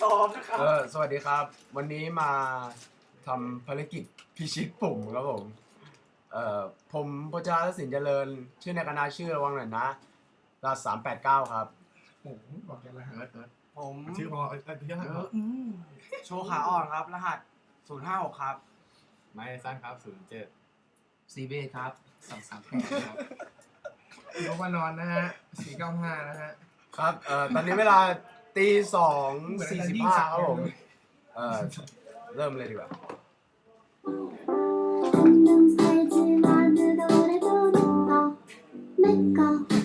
ซ้อมนะครับสวัสดีครับ วันนี้มาทำภารกิจพิชิตปุ่มครับผมผมพจารศิลป์เจริญชื่อในคณะชื่อระวังหน่อยนะรหัส389ครับผมบอกกันรหัสผมชื่อพอชื่อโชว์ขาอ่อนครับรหัส056ครับไม้สั้นครับ07 ซีเบครับ238ครับโยกนอนนะฮะ495นะฮะครับตอนนี้เวลา2:45ครับผมเริ่มเลยดีกว่า 한눈 살지 마는 노래도 높아 내꺼